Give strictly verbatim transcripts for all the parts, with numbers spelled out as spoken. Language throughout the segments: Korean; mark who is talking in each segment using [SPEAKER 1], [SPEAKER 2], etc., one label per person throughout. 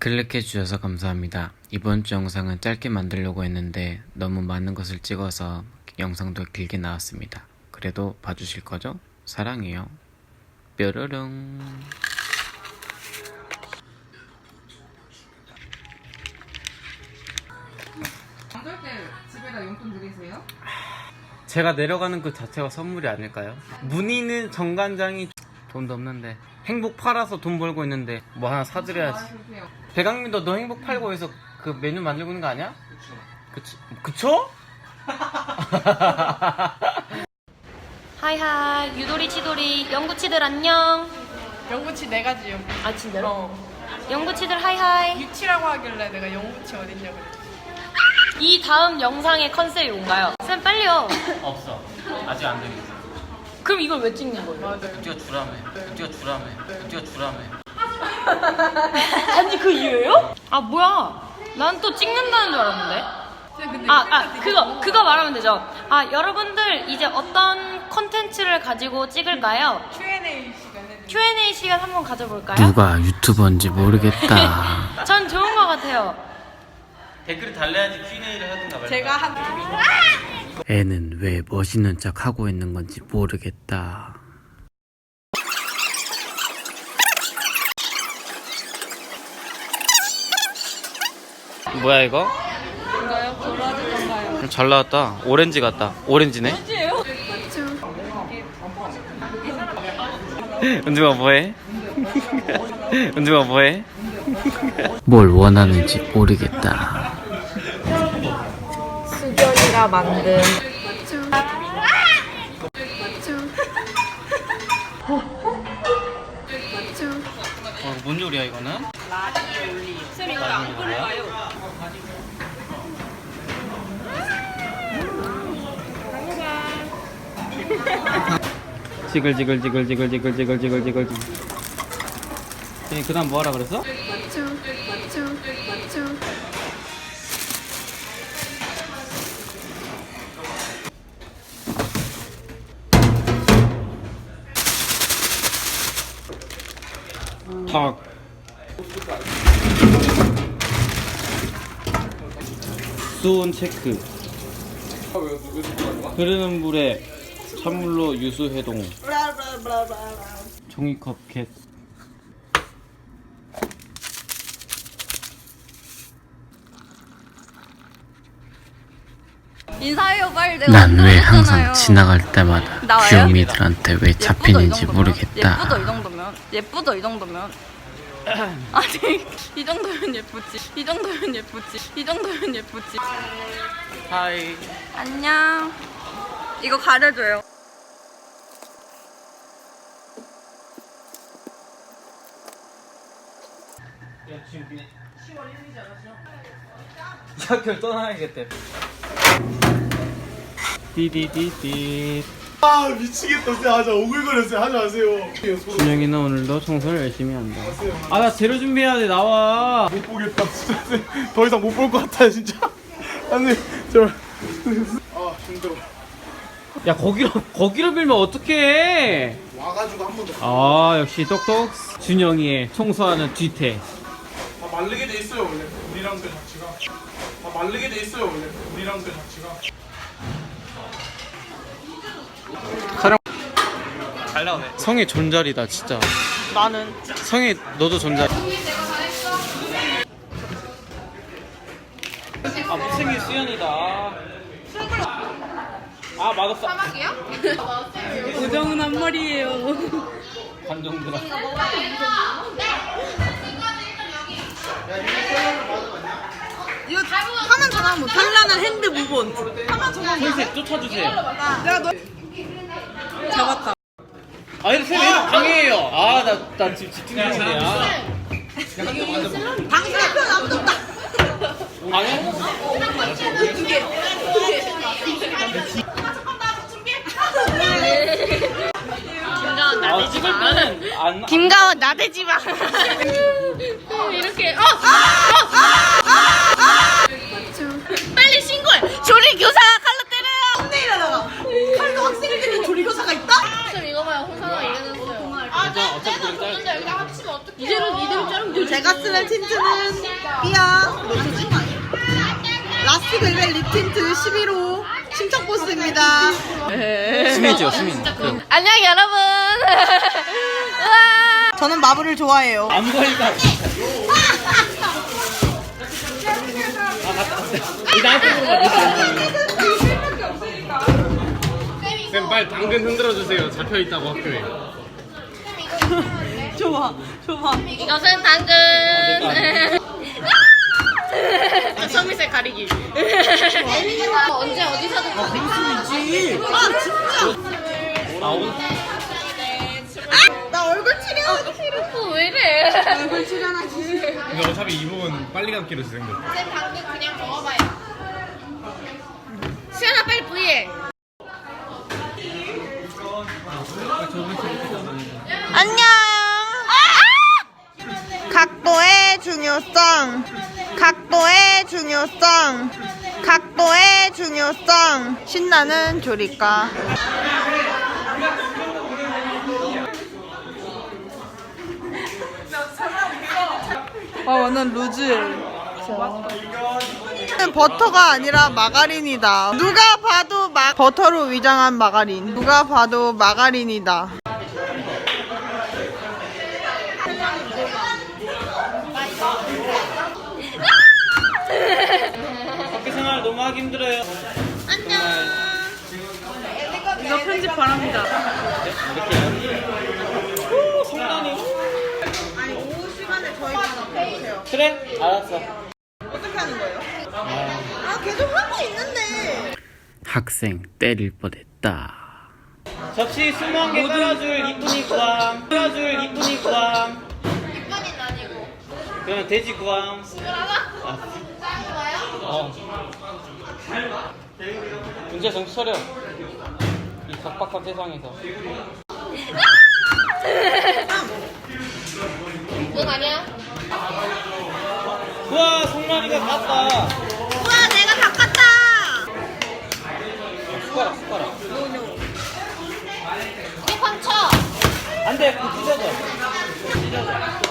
[SPEAKER 1] 클릭해주셔서 감사합니다. 이번 주 영상은 짧게 만들려고 했는데 너무 많은 것을 찍어서 영상도 길게 나왔습니다. 그래도 봐주실 거죠? 사랑해요. 뾰로롱.
[SPEAKER 2] 명절 때 집에다 용돈 드리세요?
[SPEAKER 1] 제가 내려가는 그 자체가 선물이 아닐까요? 문희는 정관장이 돈도 없는데 행복 팔아서 돈 벌고 있는데 뭐 하나 사드려야지. 배강민도 너 행복 팔고 해서 그 메뉴 만들고 있는 거 아니야? 그쵸. 그쵸?
[SPEAKER 3] 하이하이 유도리 치도리 영구치들 안녕.
[SPEAKER 4] 영구치 네 가지요.
[SPEAKER 3] 아 진짜로?
[SPEAKER 4] 어.
[SPEAKER 3] 영구치들 하이하이.
[SPEAKER 4] 유치라고 하길래 내가 영구치 어딨냐고 그랬지.
[SPEAKER 3] 이 다음 영상의 컨셉이 뭔가요? 쌤 빨리요.
[SPEAKER 1] 없어. 아직 안 되겠어.
[SPEAKER 3] 그럼 이걸 왜 찍는 거예요?
[SPEAKER 4] 맞아요.
[SPEAKER 1] 우리가 주라며. 우리가 주라며. 우리가 주라며.
[SPEAKER 3] 아니 그 이유예요? 아 뭐야? 난 또 찍는다는 줄 알았는데.
[SPEAKER 4] 근데
[SPEAKER 3] 아, 아 그거 그거 말하면 되죠. 아 여러분들 이제 어떤 컨텐츠를 가지고 찍을까요?
[SPEAKER 4] 큐 앤 에이 시간에
[SPEAKER 3] 큐 앤 에이 시간 한번 가져볼까요?
[SPEAKER 1] 누가 유튜버인지 모르겠다.
[SPEAKER 3] 전 좋은 것 같아요.
[SPEAKER 1] 댓글을 달래야지 큐 앤 에이를 하든가 말든가.
[SPEAKER 4] 제가 한
[SPEAKER 1] 애는 왜 멋있는 척 하고 있는 건지 모르겠다. 뭐야 이거?
[SPEAKER 4] 뭔가요? 도라지던가요?
[SPEAKER 1] 잘 나왔다. 오렌지 같다. 오렌지네.
[SPEAKER 4] 뭐지예요?
[SPEAKER 1] 은주가 뭐해? 은주가 뭐해? 뭘 원하는지 모르겠다.
[SPEAKER 4] 수견이가 만든
[SPEAKER 1] 어, 뭔 요리야 이거는?
[SPEAKER 4] 라디올리. 쌤 이거 안 끓여요.
[SPEAKER 1] 지글지글지글지글지글지글지글지글. 그 다음 뭐 하라 그랬어? 탁. 수온 체크. 흐르는 물에 찬물로 유수 해동. 종이컵 캣.
[SPEAKER 5] 인사해요 빨리. 내가
[SPEAKER 1] 난 왜
[SPEAKER 5] 안
[SPEAKER 1] 항상
[SPEAKER 5] 들었잖아요.
[SPEAKER 1] 지나갈 때마다
[SPEAKER 5] 나와요?
[SPEAKER 1] 귀요미들한테 왜
[SPEAKER 5] 예쁘죠,
[SPEAKER 1] 잡히는지
[SPEAKER 5] 이 정도면?
[SPEAKER 1] 모르겠다.
[SPEAKER 5] 예쁘죠 이 정도면? 예쁘죠 이 정도면? 아니 이 정도면 예쁘지. 이 정도면 예쁘지. 이 정도면 예쁘지.
[SPEAKER 1] 하이.
[SPEAKER 5] 안녕. 이거 가려줘요.
[SPEAKER 1] 시월 일일이지 않았어? 학교를 떠나야겠대. 띠디디디.
[SPEAKER 6] 아 미치겠다. 진짜 하자. 오글거렸어요. 하지 마세요.
[SPEAKER 1] 준영이는 오늘도 청소를 열심히 한다. 아 나 재료 준비해야 돼. 나와.
[SPEAKER 6] 못 보겠다. 진짜 더 이상 못 볼 것 같아요. 진짜. 아니 제발. 아 힘들어.
[SPEAKER 1] 야 거기로 거기로 밀면 어떡해?
[SPEAKER 6] 와가지고 한 번 더.
[SPEAKER 1] 아 역시 똑똑. 준영이의 청소하는 뒤태.
[SPEAKER 6] 다 마르게 돼 있어요 원래. 우리랑 그 자체가. 다 마르게 돼 있어요 원래. 우리랑 그 자체가.
[SPEAKER 1] 잘 나오네. 성이 존잘이다 진짜.
[SPEAKER 4] 나는
[SPEAKER 1] 성이 너도 존잘. 아 무생이 수연이다. 아 맛없어.
[SPEAKER 4] 우정은 한 마리예요.
[SPEAKER 1] 관종들아.
[SPEAKER 4] 이거 하면 전화 못. 현란한 핸드 무본. 하면 전화 못.
[SPEAKER 1] 선생 쫓아주세요.
[SPEAKER 4] 내가 너 잡았다.
[SPEAKER 1] 아 이거 쌤 얘는 방해해요. 아나나 지금 집중 중이야.
[SPEAKER 4] 당신의 편 아무도 없다.
[SPEAKER 1] 방해?
[SPEAKER 3] 김가원
[SPEAKER 1] 아
[SPEAKER 3] 나대지
[SPEAKER 1] 찍을
[SPEAKER 3] 마.
[SPEAKER 1] 때는 안.
[SPEAKER 3] 김가원 나대지 마. 이렇게 어! 어! 빨리 신고해. 조리 교사 칼로 때려요.
[SPEAKER 4] 홈내일하다가 칼도 학생을 때리는 조리교사가 있다?
[SPEAKER 3] 좀 이거 봐요. 홍사가 이겨냈어요.
[SPEAKER 1] 어차피 그냥
[SPEAKER 3] 이대로 이대로 자르면 되지
[SPEAKER 4] 제가 쓰는 틴트는 삐아 뭐지? 라스트 벨벳 립 틴트 십일 호 신청보스입니다.
[SPEAKER 1] 수민이죠, 수민. 그
[SPEAKER 5] 안녕 여러분. 우와.
[SPEAKER 4] 저는 마블을 좋아해요.
[SPEAKER 1] 안 보인다. 아 맞다 맞다. 이 나한테 쌤 빨리 당근 흔들어 주세요. 잡혀 있다고 학교에.
[SPEAKER 4] 좋아, 좋아.
[SPEAKER 5] 이것은 당근. 서밋의 가리기. 언제 어디서든
[SPEAKER 4] 아 진짜.
[SPEAKER 1] 아 오늘
[SPEAKER 4] 나 얼굴 칠해야지.
[SPEAKER 5] 어, 왜 이래?
[SPEAKER 4] 얼굴 칠하나 지.
[SPEAKER 1] 근데 어차피 이 부분 빨리 감기로 생겼어.
[SPEAKER 5] 쌤 당근 그냥 먹어봐요. 시연아 빨리 부위해.
[SPEAKER 4] 안녕. 각도의 중요성. 각도의 중요성. 각도의 중요성. 신나는 조리과. 아 완전 루즈해. 버터가 아니라 마가린이다. 누가 봐도 마... 버터로 위장한 마가린. 누가 봐도 마가린이다.
[SPEAKER 1] 학교 생활 너무 하기 힘들어요.
[SPEAKER 5] 안녕.
[SPEAKER 4] 이거 편집 바랍니다.
[SPEAKER 1] 오 성난이.
[SPEAKER 4] 아니 오후 시간에 저희 해주세요.
[SPEAKER 1] 그래? 알았어.
[SPEAKER 4] 어떻게 하는 거예요? 아 계속 하고 있는데.
[SPEAKER 1] 학생 때릴 뻔했다. 접시 스무 개 깔아줄 이쁜이 구함. 깔아줄 이쁜이 구함.
[SPEAKER 5] 이쁜이는 아니고.
[SPEAKER 1] 그러면 돼지 구함.
[SPEAKER 5] 하나?
[SPEAKER 1] 아,
[SPEAKER 5] 좋아요?
[SPEAKER 1] 어. 문제 정신 차려. 이 각박한 세상에서.
[SPEAKER 5] 뭔 아니야?
[SPEAKER 1] 우와 성난이가 깠다.
[SPEAKER 4] 우와 내가 다 깠다.
[SPEAKER 1] 숟가락 숟가락.
[SPEAKER 5] 이게 판쳐.
[SPEAKER 1] 안돼 그거 찢어져. 찢어져.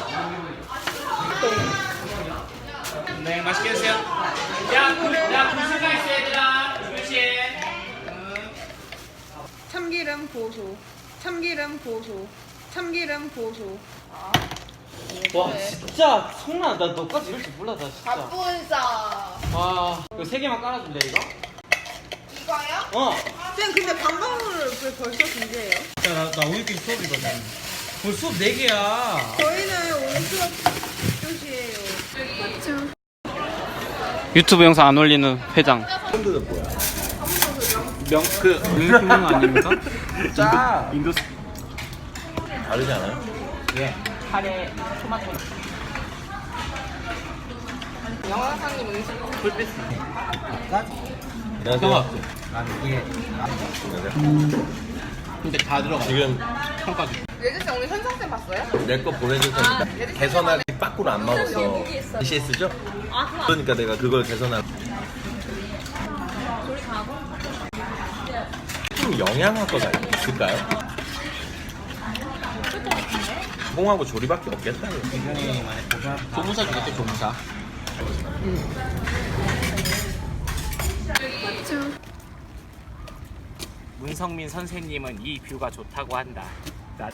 [SPEAKER 1] 네 맛있게 드세요. 야, 구, 야 구수가 있어 얘들아. 그렇지.
[SPEAKER 4] 참기름 고소. 참기름 고소. 참기름 고소.
[SPEAKER 1] 와 진짜 성난 나 너까지 이럴 줄 몰라 나 진짜.
[SPEAKER 5] 바쁜사.
[SPEAKER 1] 와 이거 세 개만 깔아줄래 이거?
[SPEAKER 5] 이거요?
[SPEAKER 1] 어.
[SPEAKER 4] 쌤 근데 방방을 왜 벌써 준비해요?
[SPEAKER 1] 나, 나 오늘까지 수업이거든. 오늘 수업 네 개야.
[SPEAKER 4] 저희는 오늘 수업 이 교시예요.
[SPEAKER 1] 유튜브 영상 안 올리는 회장.
[SPEAKER 7] 폰드는 뭐야?
[SPEAKER 1] 명그 명품 아닙니까?
[SPEAKER 7] 짜! 인도 다르지 않아요?
[SPEAKER 1] 예. 카레 토마토.
[SPEAKER 2] 영화사님 음식
[SPEAKER 1] 불빛.
[SPEAKER 7] 안녕하세요.
[SPEAKER 1] 나는 이게. 근데 다 들어가.
[SPEAKER 7] 지금
[SPEAKER 1] 평가.
[SPEAKER 2] 예지씨 오늘 현상쌤 봤어요?
[SPEAKER 7] 내 거 보내줄 테니까 개선하기 빠꾸로 안 먹었어. 씨에스죠? 그러니까 내가 그걸 개선하고. 좀 영양학과가 있을까요? 공하고 조리밖에 없겠다.
[SPEAKER 1] 조무사 주겠죠 조무사.
[SPEAKER 8] 문성민 선생님은 이 뷰가 좋다고 한다. 나...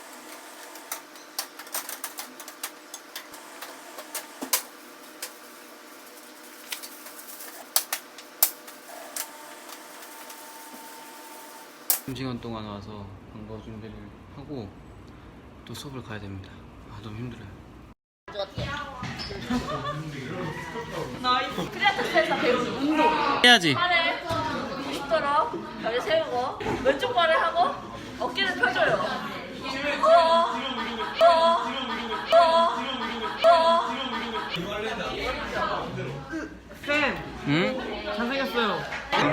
[SPEAKER 1] 시간 동안 와서 방과 준비를 하고 또 수업을 가야 됩니다. 아 너무 힘들어요. 해야지.
[SPEAKER 3] 팔에 구십 도로 다리 세우고 왼쪽 발을 하고 어깨를 펴줘요. 어, 어, 어, 어.
[SPEAKER 1] 응? 잘생겼어요.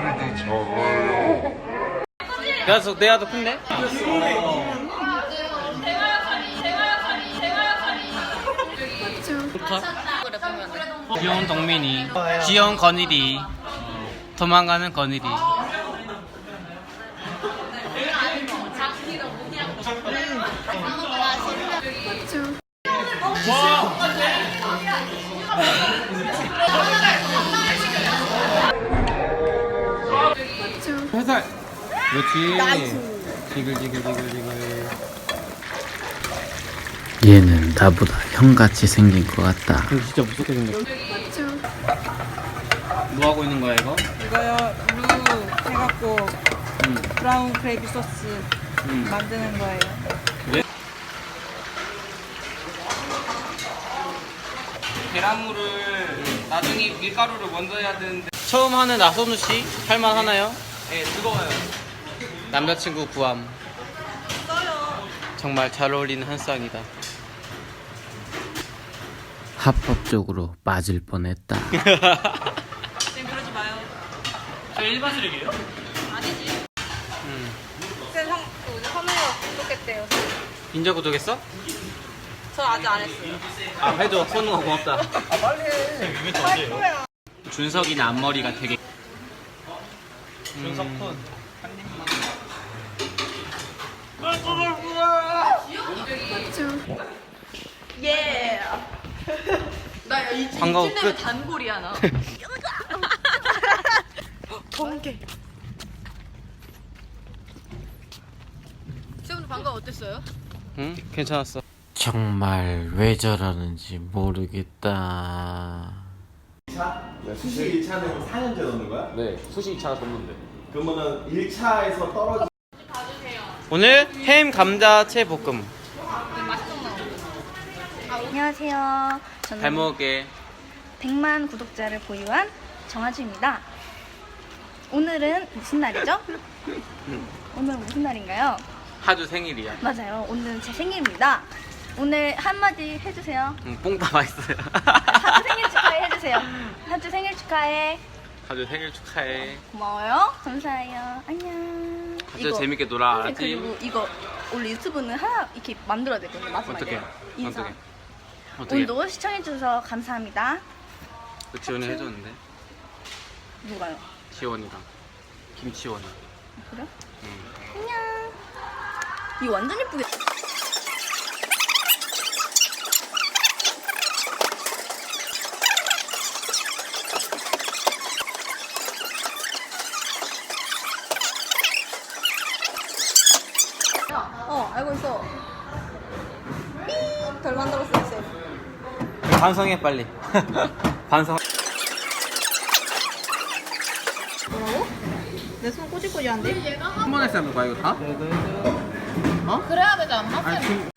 [SPEAKER 1] 내가 더 내가 더 큰데? 좋다. 귀여운 동민이, 귀여운 건일이, 도망가는 건일이.
[SPEAKER 5] 와.
[SPEAKER 1] 그렇지. 지글지글지글지글. 얘는 나보다 형같이 생긴 것 같다. 근데 진짜 무섭게 생겼어. 뭐 하고 있는 거야 이거?
[SPEAKER 4] 이거요 루 해갖고
[SPEAKER 1] 음.
[SPEAKER 4] 브라운 그레이비 소스
[SPEAKER 1] 음.
[SPEAKER 4] 만드는 거예요.
[SPEAKER 1] 계란물을 나중에 밀가루를 먼저 해야 되는데 처음 하는 나선우 씨 할만 하나요? 네, 뜨거워요. 남자친구 구함. 정말 잘 어울리는 한 쌍이다. 합법적으로 맞을 뻔했다.
[SPEAKER 4] 쌤 그러지 마요.
[SPEAKER 8] 저 일반 쓰레기예요?
[SPEAKER 4] 아니지.
[SPEAKER 1] 음.
[SPEAKER 2] 쌤 형, 그 오늘 선우가 구독했대요.
[SPEAKER 1] 인자 구독했어?
[SPEAKER 2] 저 아직 안 했어요.
[SPEAKER 1] 아 해줘. 선우가 고맙다.
[SPEAKER 8] 준석이는 앞머리가 되게
[SPEAKER 1] 준석군.
[SPEAKER 5] 예. 나 이,
[SPEAKER 1] 반가워,
[SPEAKER 5] 이쯤 되면
[SPEAKER 1] 끝.
[SPEAKER 5] 단골이야 나. 번개. 쌤 방금 어땠어요?
[SPEAKER 1] 응? 괜찮았어. 정말 왜 저러는지 모르겠다.
[SPEAKER 7] 수시 일 차는 사 년째 넣는 거야?
[SPEAKER 8] 네 수시 이 차가 뒀는데
[SPEAKER 7] 그러면은 일 차에서 떨어지
[SPEAKER 1] 오늘 햄 감자채 볶음.
[SPEAKER 9] 안녕하세요. 저는
[SPEAKER 1] 잘 먹을게.
[SPEAKER 9] 백만 구독자를 보유한 정아주입니다. 오늘은 무슨 날이죠? 오늘은 무슨 날인가요?
[SPEAKER 1] 하주 생일이야.
[SPEAKER 9] 맞아요. 오늘은 제 생일입니다. 오늘 한마디 해주세요.
[SPEAKER 1] 응, 뽕다 맛있어요.
[SPEAKER 9] 하주 생일 축하해 해주세요. 하주 생일 축하해.
[SPEAKER 1] 하주 생일 축하해.
[SPEAKER 9] 고마워요. 감사해요. 안녕.
[SPEAKER 1] 하주 재밌게 놀아.
[SPEAKER 9] 선생님,
[SPEAKER 1] 알았지?
[SPEAKER 9] 그리고 이거 원래 유튜브는 하나 이렇게 만들어야 되거든요. 마지막에.
[SPEAKER 1] 어떻게?
[SPEAKER 9] 인사.
[SPEAKER 1] 어떻게? 어떻게?
[SPEAKER 9] 오늘도 시청해주셔서 감사합니다.
[SPEAKER 1] 그 지원이 해줬는데.
[SPEAKER 9] 누가요?
[SPEAKER 1] 지원이랑 김치원이.
[SPEAKER 9] 그래?
[SPEAKER 1] 응.
[SPEAKER 9] 안녕. 이거 완전 예쁘게.
[SPEAKER 4] 어 알고 있어. 삐! 별 만들었어요 쌤.
[SPEAKER 1] 반성해 빨리. 반성.
[SPEAKER 4] 내 손 꼬질꼬질한데?
[SPEAKER 1] 한 번에 싸는 거야 이거 다?
[SPEAKER 2] 그래야 되지 않나?
[SPEAKER 1] 아니 지금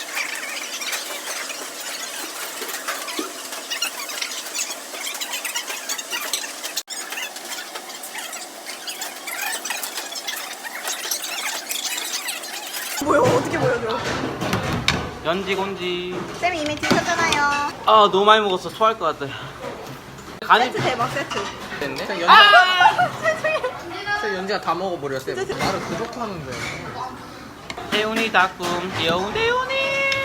[SPEAKER 4] 뭐야 어떻게 보여줘?
[SPEAKER 1] 연지 곤지.
[SPEAKER 4] 쌤이 이미 드셨잖아요.
[SPEAKER 1] 아 너무 많이 먹었어. 토할 것 같아. 간이
[SPEAKER 4] 세트 대박 세트.
[SPEAKER 1] 됐네.
[SPEAKER 6] 쌤 연지가 다 먹어버려 쌤. 말을 그렇게 하는데.
[SPEAKER 1] 대훈이 닭꿈 귀여운 대훈이.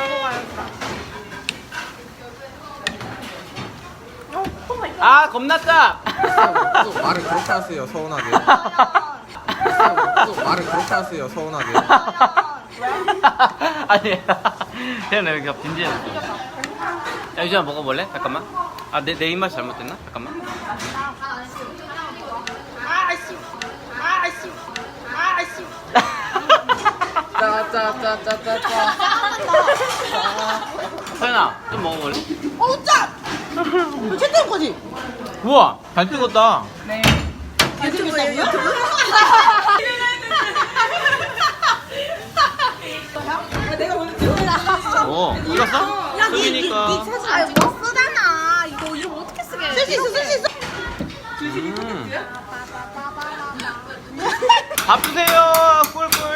[SPEAKER 1] 아 겁났다.
[SPEAKER 6] 또 말을 그렇게 하세요 서운하게. 또 말을 그렇게 하세요 서운하게.
[SPEAKER 1] 아니 대훈아 여기가 빈지해. 야 유진아 먹어볼래? 잠깐만. 아 내 내 입맛이 잘못됐나? 잠깐만.
[SPEAKER 6] 짜짜짜짜짜짜.
[SPEAKER 1] 서연아 좀 먹어볼래?
[SPEAKER 4] 어우 짠! 너 채팅 거지?
[SPEAKER 1] 우와 잘 찍었다.
[SPEAKER 4] 유튜브예요 유튜브? 내가 오늘 찍어놨어.
[SPEAKER 1] 오 찍었어? 수빈이니까.
[SPEAKER 4] 사진 안 찍어? 쓰잖아. 이거 이거 어떻게 쓰게? 쓸 수 있어 쓸 수 있어.
[SPEAKER 1] 음. 밥 주세요 꿀꿀.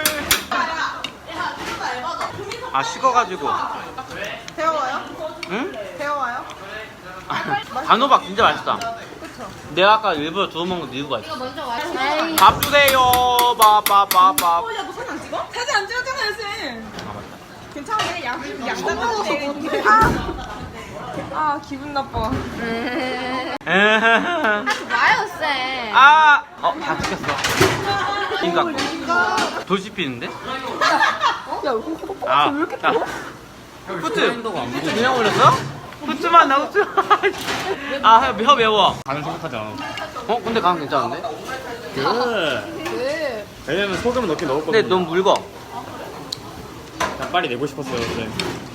[SPEAKER 1] 아 식어가지고.
[SPEAKER 4] 배워요?
[SPEAKER 1] 응?
[SPEAKER 4] 배워요?
[SPEAKER 1] 단호박 진짜 맛있다. 내가 아까 일부러 주워 먹은 이유가 있어. 밥 주세요. 밥밥밥밥.
[SPEAKER 4] 어, 야, 너 사진 안 찍어? 사진 안 찍었잖아요, 쌤.
[SPEAKER 1] 아 맞다.
[SPEAKER 4] 괜찮아, 양, 양 먹어서 어떡해. 아, 아, 기분 나빠.
[SPEAKER 5] 하지 마요 쌤.
[SPEAKER 1] 아, 어, 다 찍혔어. 인각. 돌 씹히는데?
[SPEAKER 4] 야, 이거
[SPEAKER 1] 아, 왜 이렇게 커? 후트. 후트 그냥 올렸어? 후트만 나 후트. 아, 혀, 혀 매워.
[SPEAKER 8] 가는 생각하지 않아.
[SPEAKER 1] 어, 근데 간 괜찮은데?
[SPEAKER 8] 그
[SPEAKER 2] 그
[SPEAKER 10] 왜냐면 소금을 넣긴 넣었거든요.
[SPEAKER 1] 근데 너무 묽어.
[SPEAKER 10] 그냥 빨리 내고 싶었어요. 근데.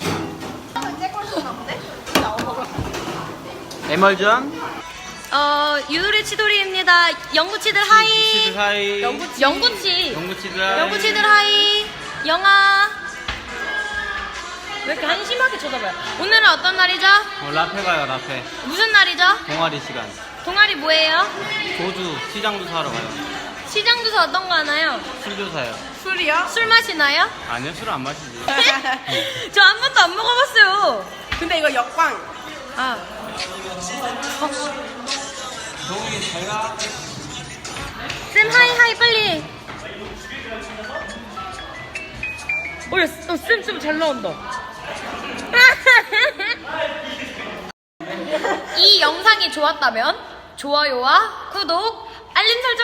[SPEAKER 1] 에멀전.
[SPEAKER 3] 어, 유리 치돌이입니다. 영구치들 하이.
[SPEAKER 1] 치즈 하이.
[SPEAKER 3] 영구치. 영구치.
[SPEAKER 1] 영구치즈 하이.
[SPEAKER 3] 영구치들 하이. 영아. 왜 이렇게 한심하게 쳐다봐요? 오늘은 어떤 날이죠?
[SPEAKER 1] 어, 라페 가요, 라페.
[SPEAKER 3] 무슨 날이죠?
[SPEAKER 1] 동아리 시간.
[SPEAKER 3] 동아리 뭐예요?
[SPEAKER 1] 조주 시장도 사러 가요.
[SPEAKER 3] 시장 조사 어떤 거 하나요?
[SPEAKER 1] 술도 사요.
[SPEAKER 4] 술이요?
[SPEAKER 3] 술 마시나요?
[SPEAKER 1] 아니요, 술 안 마시지.
[SPEAKER 3] 저 한 번도 안 먹어봤어요.
[SPEAKER 4] 근데 이거 역광.
[SPEAKER 3] 아.
[SPEAKER 1] 동이 제가
[SPEAKER 3] 쌤 하이 하이 빨리. 어, 어 쌤, 쌤 잘 나온다. 이 영상이 좋았다면 좋아요와 구독, 알림 설정